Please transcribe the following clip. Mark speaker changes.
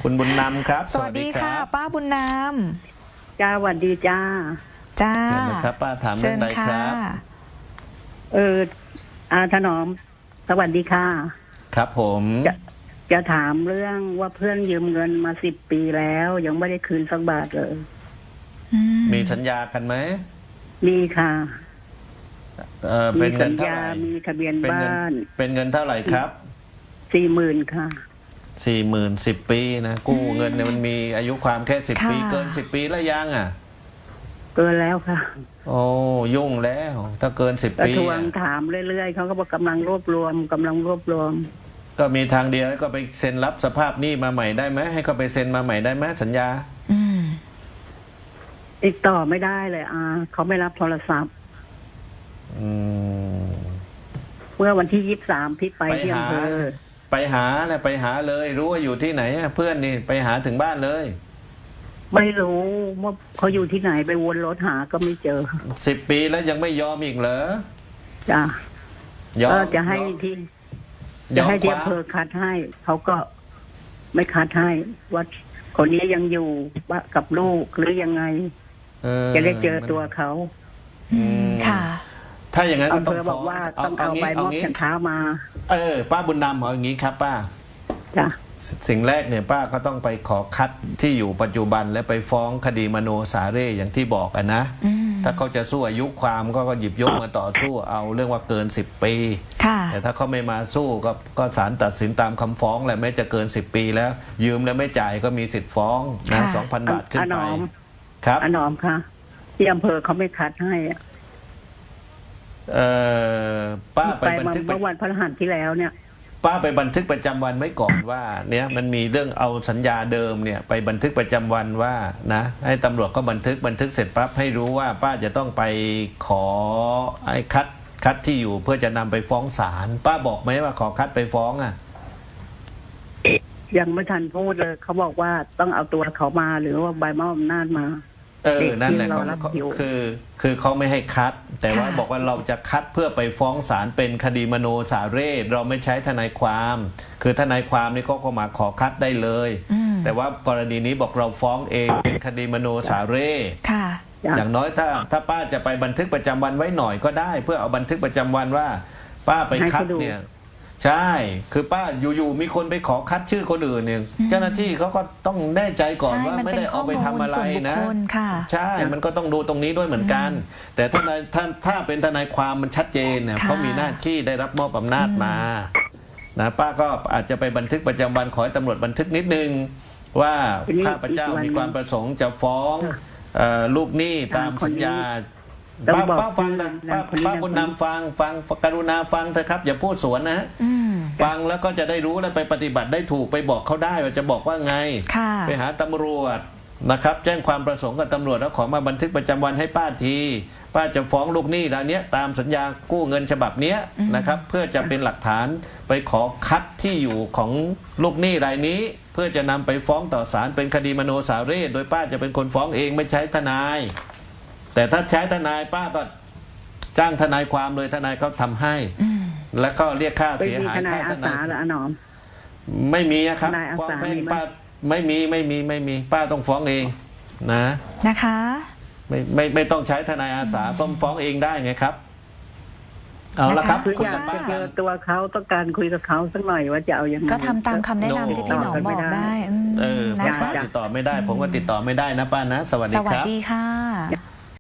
Speaker 1: คุณบุญนำครับ
Speaker 2: สวัสดีค่ะป้าบุญน
Speaker 3: จ้าสวัสดีจ้า
Speaker 2: ำจ้า
Speaker 1: เชิญนะครับป้าถามเรื่องใดครับ
Speaker 3: ถนอมสวัสดีค่ะ
Speaker 1: ครับผม
Speaker 3: จะถามเรื่องว่าเพื่อนยืมเงินมา10 ปีแล้วยังไม่ได้คืนสักบาทเลย
Speaker 1: มีสัญญากันไหม
Speaker 3: มีค่ะ
Speaker 1: เป็นเงินเท่าไหร่
Speaker 3: มีทะเบียนบ้าน
Speaker 1: เป็นเงินเท่าไหร่ครับ
Speaker 3: 40,000ค่ะ
Speaker 1: 40,000 10 ปีนะกู้เงินเนี่ยมันมีอายุความแค่10 ปีเกิน10 ปีแล้วยังอ่ะ
Speaker 3: เกินแล้วค่ะ
Speaker 1: โอ้ยุ่งแล้วถ้าเกิน10 ปี
Speaker 3: ทวงถามเรื่อยๆเขาก็บอกกำลังรวบรวม
Speaker 1: ก็มีทางเดียวก็ไปเซ็นรับสภาพหนี้มาใหม่ได้ไหมให้เขาไปเซ็นมาใหม่ได้ไหมสัญญา
Speaker 3: ติดต่อไม่ได้เลยเขาไม่รับโทรศัพท์เมื่อวันที่23พี่ไปที่อำเภอ
Speaker 1: ไปหาเลยรู้ว่าอยู่ที่ไหนเพื่อนนี่ไปหาถึงบ้านเลย
Speaker 3: ไม่รู้ว่าเขาอยู่ที่ไหนไปวนรถหาก็ไม่เจอ
Speaker 1: 10 ปีแล้วยังไม่ยอมอีกเหรอ
Speaker 3: จ้ะจะให้ที่อำเภอคัดให้เขาก็ไม่คัดให้ว่าคนนี้ยังอยู่กับลูกหรือยังไงจะได้เจอตัวเขา
Speaker 2: ค่ะ
Speaker 1: ถ้าอย่างนั้นก็ต้อง
Speaker 3: บอกว่าต้องเอาใบมอบฉันเท้ามา
Speaker 1: ป้าบุญนำเอาอย่างนี้ครับป้า
Speaker 3: จ้ะ
Speaker 1: สิ่งแรกเนี่ยป้าก็ต้องไปขอคัดที่อยู่ปัจจุบันและไปฟ้องคดีมโนสาเร่อย่างที่บอกกันนะถ้าเขาจะสู้อายุความก็หยิบยกมาต่อสู้เอาเรื่องว่าเกิน10 ปีแต่ถ้าเขาไม่มาสู้ก็ศาลตัดสินตามคำฟ้องแหละแม้จะเกิน10 ปีแล้วยืมแล้วไม่จ่ายก็มีสิทธิ์ฟ้องนะ 2,000 บาทขึ้นไปครับ
Speaker 3: อนอมค่ะที่อำเภอเขาไม่คัดให้
Speaker 1: ป้าไปบันทึก
Speaker 3: เมื่อวันพฤหัสที่แล้วเนี่ย
Speaker 1: ป้าไปบันทึกประจำวันไว้ก่อนว่าเนี่ยมันมีเรื่องเอาสัญญาเดิมเนี่ยไปบันทึกประจำวันว่านะให้ตำรวจก็บันทึกเสร็จปั๊บให้รู้ว่าป้าจะต้องไปขอไอ้คัดที่อยู่เพื่อจะนำไปฟ้องศาลป้าบอกไหมว่าขอคัดไปฟ้องอ่ะ
Speaker 3: ยังไม่ทันพูดเลยเขาบอกว่าต้องเอาตัวเขามาหรือว่าใบมอบอำนาจมา
Speaker 1: นั่นแหละคือเขาไม่ให้คัดแต่ว่าบอกว่าเราจะคัดเพื่อไปฟ้องศาลเป็นคดีมโนสาเร่เราไม่ใช้ทนายความคือทนายความนี่เขาก็มาขอคัดได้เลยแต่ว่ากรณีนี้บอกเราฟ้องเองเป็นคดีมโนสาเร่อย่างน้อยถ้าป้าจะไปบันทึกประจำวันไว้หน่อยก็ได้เพื่อเอาบันทึกประจำวันว่าป้าไปคัดเนี่ยใช่คือป้าอยู่ๆมีคนไปขอคัดชื่อคนอื่นเนี่ยเจ้าหน้าที่เขาก็ต้องแน่ใจก่อนว่าไม่ได้เอาไปทำอะไรนะใช่มันก็ต้องดูตรงนี้ด้วยเหมือนกันแต่ถ้าเป็นทนายความมันชัดเจนเนี่ยเขามีหน้าที่ได้รับมอบอำนาจมานะป้าก็อาจจะไปบันทึกประจำวันขอให้ตำรวจบันทึกนิดนึงว่าข้าพเจ้ามีความประสงค์จะฟ้องลูกหนี้ตามสัญญาป้าฟังนะป้าบุญนำฟังกรุณาฟังเถอะครับอย่าพูดสวนนะฟังแล้วก็จะได้รู้และไปปฏิบัติได้ถูกไปบอกเขาได้ว่าจะบอกว่าไงไปหาตำรวจนะครับแจ้งความประสงค์กับตำรวจแล้วขอมาบันทึกประจำวันให้ป้าทีป้าจะฟ้องลูกหนี้รายนี้ตามสัญญากู้เงินฉบับนี้นะครับเพื่อจะเป็นหลักฐานไปขอคัดที่อยู่ของลูกหนี้รายนี้เพื่อจะนำไปฟ้องต่อศาลเป็นคดีมโนสาเร่โดยป้าจะเป็นคนฟ้องเองไม่ใช้ทนายแต่ถ้าใช้ทนายป้าก็จ้างทนายความเลยทนายเขาทำให้แล้วก็เรียกค่าเสียหายค่าทนายไม่มีครับฟ้องแพ่งป้าไม่มีป้าต้องฟ้องเอง
Speaker 2: นะคะ
Speaker 1: ไม่ต้องใช้ทนายอาสาฟ้องเองได้ไงครับเอาละครับ
Speaker 3: คุยกับเจอตัวเขาต้องการคุยกับเขาสักหน่อยว่าจะเอายังไง
Speaker 2: ก็ทำตามคำแนะนำที่พี่หนอมบอกได้
Speaker 1: ป้าติดต่อไม่ได้ผมก็ติดต่อไม่ได้นะป้านะสวัสดีครับ
Speaker 2: สวัสดีค่ะ